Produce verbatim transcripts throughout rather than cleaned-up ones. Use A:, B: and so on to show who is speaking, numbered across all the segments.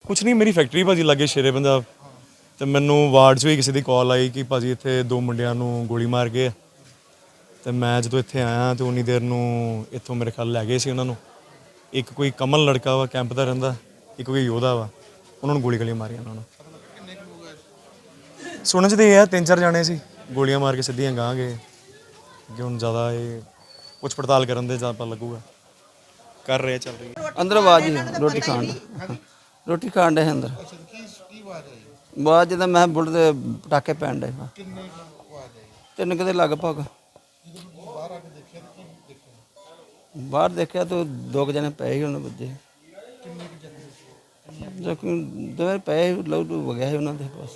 A: ਕੁਛ ਨਹੀਂ, ਮੇਰੀ ਫੈਕਟਰੀ ਭਾਜੀ ਲੱਗੇ ਸ਼ੇਰੇ ਪੰਜਾਬ ਤੇ ਮੈਨੂੰ ਵਾਰਡ 'ਚ ਵੀ ਕਿਸੇ ਦੀ ਕਾਲ ਆਈ ਕਿ ਭਾਜੀ ਇੱਥੇ ਦੋ ਮੁੰਡਿਆਂ ਨੂੰ ਗੋਲੀ ਮਾਰ ਗਏ ਤੇ ਮੈਂ ਜਦੋਂ ਇੱਥੇ ਆਇਆ ਤੇ ਉਨੀ ਦੇਰ ਨੂੰ ਇੱਥੋਂ ਮੇਰੇ ਖਿਆਲ ਲੈ ਗਏ ਸੀ ਉਹਨਾਂ ਨੂੰ। ਇੱਕ ਕੋਈ ਕਮਲ ਲੜਕਾ ਵਾ ਕੈਂਪ ਦਾ ਰਹਿੰਦਾ, ਇੱਕ ਕੋਈ ਯੋਧਾ ਵਾ, ਉਹਨਾਂ ਨੂੰ ਗੋਲੀ ਗਲੀਆਂ ਮਾਰੀਆਂ ਉਹਨਾਂ ਨੂੰ। ਸੁਣਨ 'ਚ ਤੇ ਇਹ ਆ ਤਿੰਨ ਚਾਰ ਜਾਣੇ ਸੀ, ਗੋਲੀਆਂ ਮਾਰ ਕੇ ਸਿੱਧੀਆਂ ਗਾਂਹ ਗਏ ਕਿ ਹੁਣ ਜ਼ਿਆਦਾ ਇਹ ਪੁੱਛ ਪੜਤਾਲ ਕਰਨ ਦੇ ਜਾਂ ਪਤਾ ਲੱਗੂਗਾ। ਕਰ ਰਹੇ ਚੱਲ ਰਹੀ ਹੈ
B: ਅੰਦਰ ਆਵਾਜ਼ ਹੀ ਰੋਟੀ ਖਾਣ ਰੋਟੀ ਖਾਣ ਦੇ ਅੰਦਰ ਬਾਅਦ ਜਦੋਂ ਮੈਂ ਬੁੱਢ ਦੇ ਪਟਾਕੇ ਪੈਣ ਡੇ ਤਿੰਨ ਕਿਤੇ ਲਗਭਗ ਬਾਹਰ ਦੇਖਿਆ ਤਾਂ ਦੋ ਕੁ ਜਣੇ ਪਏ ਸੀ ਉਹਨਾਂ ਵੱਜੇ ਜ਼ਖਮੀ ਦੋਵੇਂ ਪਏ ਲਹੂ ਵਗਿਆ ਸੀ ਉਹਨਾਂ ਦੇ ਪਾਸ।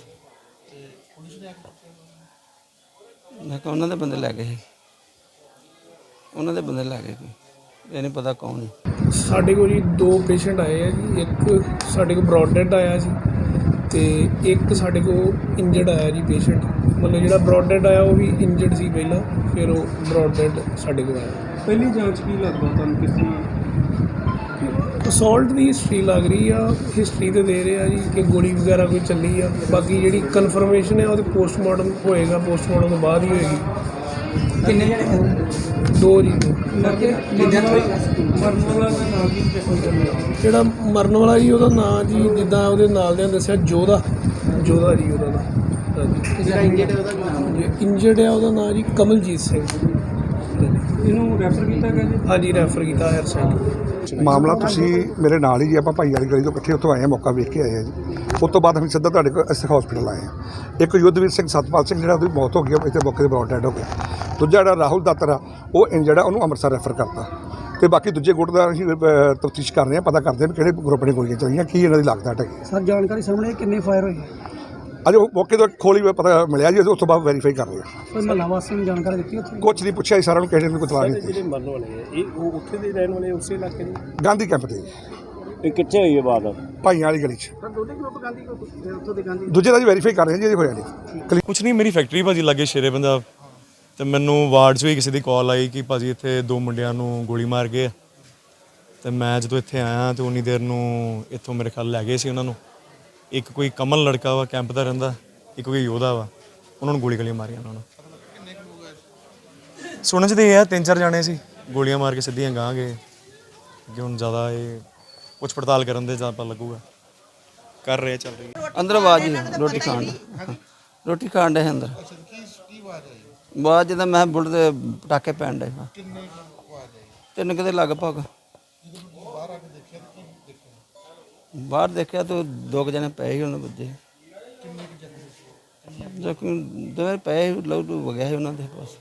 B: ਮੈਂ ਕਿਹਾ ਉਹਨਾਂ ਦੇ ਬੰਦੇ ਲੈ ਗਏ ਸੀ, ਉਹਨਾਂ ਦੇ ਬੰਦੇ ਲੈ ਗਏ ਕੋਈ ਇਹ ਨਹੀਂ ਪਤਾ ਕੌਣ ਹੈ।
C: ਸਾਡੇ ਕੋਲ ਜੀ ਦੋ ਪੇਸ਼ੈਂਟ ਆਏ ਆ ਜੀ, ਇੱਕ ਸਾਡੇ ਕੋਲ ਬਰੌਡ ਡੈਡ ਆਇਆ ਸੀ ਤੇ ਇੱਕ ਸਾਡੇ ਕੋਲ ਇੰਜਰਡ ਆਇਆ ਜੀ ਪੇਸ਼ੈਂਟ। ਮਤਲਬ ਜਿਹੜਾ ਬਰੌਡ ਡੈਡ ਆਇਆ ਉਹ ਵੀ ਇੰਜਰਡ ਸੀ ਪਹਿਲਾਂ, ਫਿਰ ਉਹ ਬਰੌਡ ਡੈਡ ਸਾਡੇ ਕੋਲ ਆਇਆ।
D: ਪਹਿਲੀ ਜਾਂਚ ਕੀ ਲੱਗਦਾ ਤੁਹਾਨੂੰ ਕਿਸੇ
C: ਅਸੌਲਟ ਦੀ ਹਿਸਟਰੀ ਲੱਗ ਰਹੀ ਆ, ਹਿਸਟਰੀ ਤੇ ਦੇ ਰਹੇ ਆ ਜੀ ਕਿ ਗੋਲੀ ਵਗੈਰਾ ਕੋਈ ਚੱਲੀ ਆ। ਬਾਕੀ ਜਿਹੜੀ ਕਨਫਰਮੇਸ਼ਨ ਹੈ ਉਹਦੇ ਪੋਸਟਮਾਰਟਮ ਹੋਏਗਾ, ਪੋਸਟਮਾਰਟਮ ਤੋਂ ਬਾਅਦ ਹੀ ਹੋਏਗੀ।
D: ਕਿੰਨੇ ਜਣੇ
C: ਦੋ ਜੀ ਦੋ।
D: ਮਰਨ ਵਾਲਾ ਦਾ ਨਾਮ ਕੀ
C: ਜਿਹੜਾ ਮਰਨ ਵਾਲਾ ਜੀ ਉਹਦਾ ਨਾਂ ਜੀ ਜਿੱਦਾਂ ਉਹਦੇ ਨਾਲ ਦਿਆਂ ਦੱਸਿਆ ਜੋਧਾ ਜੋਧਾ ਜੀ ਉਹਦਾ ਨਾਂ।
D: ਜਿਹੜਾ ਇੰਜਰਡ ਉਹਦਾ ਨਾਮ
C: ਇੰਜਰਡ ਆ ਉਹਦਾ ਨਾਂ ਜੀ ਕਮਲਜੀਤ ਸਿੰਘ।
D: ਇਹਨੂੰ ਰੈਫਰ ਕੀਤਾ ਗਿਆ ਜੀ?
C: ਹਾਂਜੀ ਰੈਫਰ ਕੀਤਾ ਹਾਇਰ ਸੈਂਟਰ।
E: ਮਾਮਲਾ ਤੁਸੀਂ ਮੇਰੇ ਨਾਲ ਹੀ ਜੀ, ਆਪਾਂ ਭਾਈ ਵਾਲੀ ਗਲੀ ਤੋਂ ਇਕੱਠੇ ਉੱਥੋਂ ਆਏ ਹਾਂ, ਮੌਕਾ ਵੇਖ ਕੇ ਆਏ ਹਾਂ ਜੀ। ਉਸ ਤੋਂ ਬਾਅਦ ਅਸੀਂ ਸਿੱਧਾ ਤੁਹਾਡੇ ਕੋਲ ਇਸ ਹਸਪੀਟਲ ਆਏ ਹਾਂ। ਇੱਕ ਯੁੱਧਵੀਰ ਸਿੰਘ ਸਤਪਾਲ ਸਿੰਘ ਜਿਹੜਾ ਉਹਦੀ ਮੌਤ ਹੋ ਗਈ ਇੱਥੇ ਮੌਕੇ 'ਤੇ ਬਰੌਡ ਡੈਡ ਹੋ ਗਿਆ। ਦੂਜਾ ਜਿਹੜਾ ਰਾਹੁਲ ਦਾਤਰ ਆ ਉਹ ਇੰਜਰਡ ਆ, ਉਹਨੂੰ ਅੰਮ੍ਰਿਤਸਰ ਰੈਫਰ ਕਰਤਾ। ਤੇ ਬਾਕੀ ਦੂਜੇ ਗੁੱਟ ਦਾ ਅਸੀਂ ਤਫਤੀਸ਼ ਕਰ ਰਹੇ ਹਾਂ, ਪਤਾ ਕਰਦੇ ਹਾਂ ਵੀ ਕਿਹੜੇ ਗਰੁੱਪ ਨੇ ਗੋਲੀਆਂ ਚਲਾਈਆਂ, ਕੀ ਇਹਨਾਂ ਦੀ ਲਾਗਤ ਹੈਗੀ।
C: ਸਰ ਜਾਣਕਾਰੀ ਸਾਹਮਣੇ ਕਿੰਨੇ ਫਾਇਰ ਹੋਏ?
E: ਅਜੇ ਉਹ ਮੌਕੇ ਤੋਂ ਖੋਲੀ ਪਤਾ ਮਿਲਿਆ ਜੀ, ਉਸ ਤੋਂ ਬਾਅਦ ਵੈਰੀਫਾਈ ਕਰ ਰਹੇ ਹਾਂ।
C: ਕੋਈ ਮਹੱਲਾ ਵਾਸੀ ਨੂੰ ਜਾਣਕਾਰੀ ਦਿੱਤੀ ਉੱਥੇ?
E: ਕੁਛ ਨਹੀਂ ਪੁੱਛਿਆ ਜੀ, ਸਾਰਿਆਂ ਨੂੰ ਕਿਸੇ ਨੇ ਕੋਈ ਤਲਾਹ ਨਹੀਂ ਦਿੱਤੀ।
D: ਜਿਹੜੇ ਮਰਨ ਵਾਲੇ ਆ ਇਹ ਉਹ ਉੱਥੇ ਦੇ ਰਹਿਣ ਵਾਲੇ ਉਸੇ ਇਲਾਕੇ ਦੇ?
E: ਗਾਂਧੀ ਕੈਂਪ ਤੇ
D: ਇਹ ਕਿੱਥੇ ਹੋਈ ਹੈ ਬਾਤ?
E: ਭਾਈਆਂ ਵਾਲੀ ਗਲੀ 'ਚ।
D: ਸਰ ਦੋਨੇ ਗਰੁੱਪ ਗਾਂਧੀ ਉੱਥੋਂ ਦੇ ਗਾਂਧੀ
E: ਦੂਜੇ ਦਾ ਜੀ ਵੈਰੀਫਾਈ ਕਰ ਰਹੇ ਹਾਂ ਜੀ, ਅਜੇ ਹੋਇਆ ਨਹੀਂ।
A: ਕੁਛ ਨਹੀਂ, ਮੇਰੀ ਫੈਕਟਰੀ ਭਾਜੀ ਲੱਗੇ ਸ਼ੇਰੇ ਪੰਜਾਬ ਤੇ ਮੈਨੂੰ ਵਾਰਡ 'ਚ ਵੀ ਕਿਸੇ ਦੀ ਕਾਲ ਆਈ ਕਿ ਭਾਜੀ ਇੱਥੇ ਦੋ ਮੁੰਡਿਆਂ ਨੂੰ ਗੋਲੀ ਮਾਰ ਗਏ ਤੇ ਮੈਂ ਜਦੋਂ ਇੱਥੇ ਆਇਆ ਤੇ ਉਨੀ ਦੇਰ ਨੂੰ ਇੱਥੋਂ ਮੇਰੇ ਖਿਆਲ ਲੈ ਗਏ ਸੀ ਉਹਨਾਂ ਨੂੰ। ਇੱਕ ਕੋਈ ਕਮਲ ਲੜਕਾ ਵਾ ਕੈਂਪ ਦਾ ਰਹਿੰਦਾ, ਇੱਕ ਕੋਈ ਯੋਧਾ ਵਾ, ਉਹਨਾਂ ਨੂੰ ਗੋਲੀ ਗਲੀਆਂ ਮਾਰੀਆਂ ਉਹਨਾਂ ਨੂੰ। ਸੁਣਨ 'ਚ ਤੇ ਇਹ ਆ ਤਿੰਨ ਚਾਰ ਜਾਣੇ ਸੀ, ਗੋਲੀਆਂ ਮਾਰ ਕੇ ਸਿੱਧੀਆਂ ਗਾਂਹ ਗਏ ਕਿ ਹੁਣ ਜ਼ਿਆਦਾ ਇਹ ਪੁੱਛ ਪੜਤਾਲ ਕਰਨ ਦੇ ਜਾਂ ਪਤਾ ਲੱਗੂਗਾ। ਕਰ ਰਹੇ ਚੱਲ ਰਹੀ ਹੈ
B: ਅੰਦਰ ਆਵਾਜ਼ ਹੀ ਰੋਟੀ ਖਾਣ ਰੋਟੀ ਖਾਣ ਦੇ ਅੰਦਰ ਬਾਅਦ ਜਦੋਂ ਮੈਂ ਬੁੱਢ ਦੇ ਪਟਾਕੇ ਪੈਣ ਡੇ ਤਿੰਨ ਕਿਤੇ ਲਗਭਗ ਬਾਹਰ ਦੇਖਿਆ ਤਾਂ ਦੋ ਕੁ ਜਣੇ ਪਏ ਸੀ ਉਹਨਾਂ ਵੱਜੇ ਜ਼ਖਮੀ ਦੋਵੇਂ ਪਏ ਲਹੂ ਵਗਿਆ ਸੀ ਉਹਨਾਂ ਦੇ ਪਾਸ।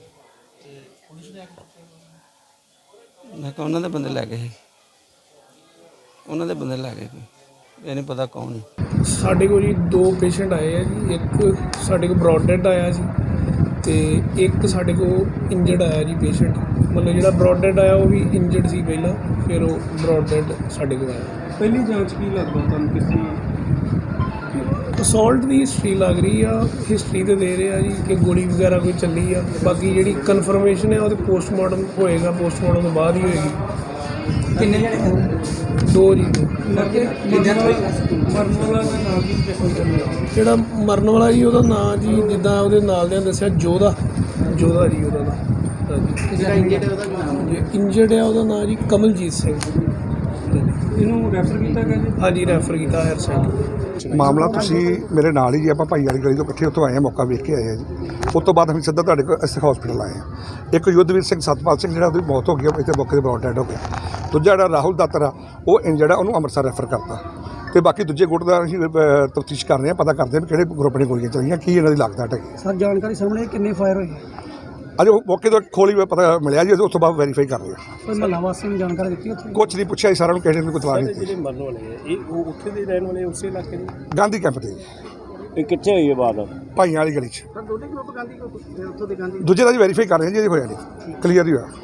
B: ਮੈਂ ਕਿਹਾ ਉਹਨਾਂ ਦੇ ਬੰਦੇ ਲੈ ਗਏ ਸੀ, ਉਹਨਾਂ ਦੇ ਬੰਦੇ ਲੈ ਗਏ ਕੋਈ ਇਹ ਨਹੀਂ ਪਤਾ ਕੌਣ ਹੈ।
C: ਸਾਡੇ ਕੋਲ ਜੀ ਦੋ ਪੇਸ਼ੈਂਟ ਆਏ ਆ ਜੀ, ਇੱਕ ਸਾਡੇ ਕੋਲ ਬਰੌਡ ਡੈਡ ਆਇਆ ਸੀ ਤੇ ਇੱਕ ਸਾਡੇ ਕੋਲ ਇੰਜਰਡ ਆਇਆ ਜੀ ਪੇਸ਼ੈਂਟ। ਮਤਲਬ ਜਿਹੜਾ ਬਰੌਡ ਡੈਡ ਆਇਆ ਉਹ ਵੀ ਇੰਜਰਡ ਸੀ ਪਹਿਲਾਂ, ਫਿਰ ਉਹ ਬਰੌਡ ਡੈਡ ਸਾਡੇ ਕੋਲ ਆਇਆ।
D: ਪਹਿਲੀ ਜਾਂਚ ਕੀ ਲੱਗਦਾ ਤੁਹਾਨੂੰ ਕਿਸੇ
C: ਅਸੌਲਟ ਦੀ ਹਿਸਟਰੀ ਲੱਗ ਰਹੀ ਆ, ਹਿਸਟਰੀ ਤੇ ਦੇ ਰਹੇ ਆ ਜੀ ਕਿ ਗੋਲੀ ਵਗੈਰਾ ਕੋਈ ਚੱਲੀ ਆ। ਬਾਕੀ ਜਿਹੜੀ ਕਨਫਰਮੇਸ਼ਨ ਹੈ ਉਹਦੇ ਪੋਸਟਮਾਰਟਮ ਹੋਏਗਾ, ਪੋਸਟਮਾਰਟਮ ਤੋਂ ਬਾਅਦ ਹੀ ਹੋਏਗੀ।
D: ਕਿੰਨੇ ਜਣੇ
C: ਦੋ ਜੀ ਦੋ।
D: ਮਰਨ ਵਾਲਾ ਦਾ ਨਾਮ ਕੀ
C: ਜਿਹੜਾ ਮਰਨ ਵਾਲਾ ਜੀ ਉਹਦਾ ਨਾਂ ਜੀ ਜਿੱਦਾਂ ਉਹਦੇ ਨਾਲ ਦਿਆਂ ਦੱਸਿਆ ਜੋਧਾ ਜੋਧਾ ਜੀ ਉਹਦਾ ਨਾਂ।
D: ਜਿਹੜਾ ਇੰਜਰਡ ਉਹਦਾ ਨਾਮ
C: ਇੰਜਰਡ ਆ ਉਹਦਾ ਨਾਂ ਜੀ ਕਮਲਜੀਤ ਸਿੰਘ।
D: ਇਹਨੂੰ ਰੈਫਰ ਕੀਤਾ ਗਿਆ ਜੀ?
C: ਹਾਂਜੀ ਰੈਫਰ ਕੀਤਾ ਹਾਇਰ ਸੈਂਟਰ।
E: ਮਾਮਲਾ ਤੁਸੀਂ ਮੇਰੇ ਨਾਲ ਹੀ ਜੀ, ਆਪਾਂ ਭਾਈ ਵਾਲੀ ਗਲੀ ਤੋਂ ਇਕੱਠੇ ਉੱਥੋਂ ਆਏ ਹਾਂ, ਮੌਕਾ ਵੇਖ ਕੇ ਆਏ ਹਾਂ ਜੀ। ਉਸ ਤੋਂ ਬਾਅਦ ਅਸੀਂ ਸਿੱਧਾ ਤੁਹਾਡੇ ਕੋਲ ਇਸ ਹਸਪੀਟਲ ਆਏ ਹਾਂ। ਇੱਕ ਯੁੱਧਵੀਰ ਸਿੰਘ ਸਤਪਾਲ ਸਿੰਘ ਜਿਹੜਾ ਉਹਦੀ ਮੌਤ ਹੋ ਗਈ ਇੱਥੇ ਮੌਕੇ 'ਤੇ ਬਰੌਡ ਡੈਡ ਹੋ ਗਿਆ। ਦੂਜਾ ਜਿਹੜਾ ਰਾਹੁਲ ਦਾਤਰ ਆ ਉਹ ਇੰਜਰਡ ਆ, ਉਹਨੂੰ ਅੰਮ੍ਰਿਤਸਰ ਰੈਫਰ ਕਰਤਾ। ਤੇ ਬਾਕੀ ਦੂਜੇ ਗੁੱਟ ਦਾ ਅਸੀਂ ਤਫਤੀਸ਼ ਕਰ ਰਹੇ ਹਾਂ, ਪਤਾ ਕਰਦੇ ਹਾਂ ਵੀ ਕਿਹੜੇ ਗਰੁੱਪ ਨੇ ਗੋਲੀਆਂ ਚਲਾਈਆਂ, ਕੀ ਇਹਨਾਂ ਦੀ ਲਾਗਤ ਹੈਗੀ।
C: ਸਰ ਜਾਣਕਾਰੀ ਸਾਹਮਣੇ ਕਿੰਨੇ ਫਾਇਰ ਹੋਏ?
E: ਅਜੇ ਉਹ ਮੌਕੇ ਤੋਂ ਖੋਲੀ ਪਤਾ ਮਿਲਿਆ ਜੀ, ਉਸ ਤੋਂ ਬਾਅਦ ਵੈਰੀਫਾਈ ਕਰ ਰਹੇ ਹਾਂ।
C: ਕੋਈ ਮਹੱਲਾ ਵਾਸੀ ਨੂੰ ਜਾਣਕਾਰੀ ਦਿੱਤੀ ਉੱਥੇ?
E: ਕੁਛ ਨਹੀਂ ਪੁੱਛਿਆ ਜੀ, ਸਾਰਿਆਂ ਨੂੰ ਕਿਸੇ ਨੇ ਕੋਈ ਤਲਾਹ ਨਹੀਂ ਦਿੱਤੀ।
D: ਜਿਹੜੇ ਮਰਨ ਵਾਲੇ ਆ ਇਹ ਉਹ ਉੱਥੇ ਦੇ ਰਹਿਣ ਵਾਲੇ ਉਸੇ ਇਲਾਕੇ ਦੇ?
E: ਗਾਂਧੀ ਕੈਂਪ ਤੇ
D: ਇਹ ਕਿੱਥੇ ਹੋਈ ਹੈ ਬਾਤ?
E: ਭਾਈਆਂ ਵਾਲੀ ਗਲੀ 'ਚ।
D: ਸਰ ਦੋਨੇ ਗਰੁੱਪ ਗਾਂਧੀ ਉੱਥੋਂ ਦੇ ਗਾਂਧੀ
E: ਦੂਜੇ ਦਾ ਜੀ ਵੈਰੀਫਾਈ ਕਰ ਰਹੇ ਹਾਂ ਜੀ, ਅਜੇ ਹੋਇਆ ਨਹੀਂ, ਕਲੀਅਰ ਹੀ ਹੋਇਆ।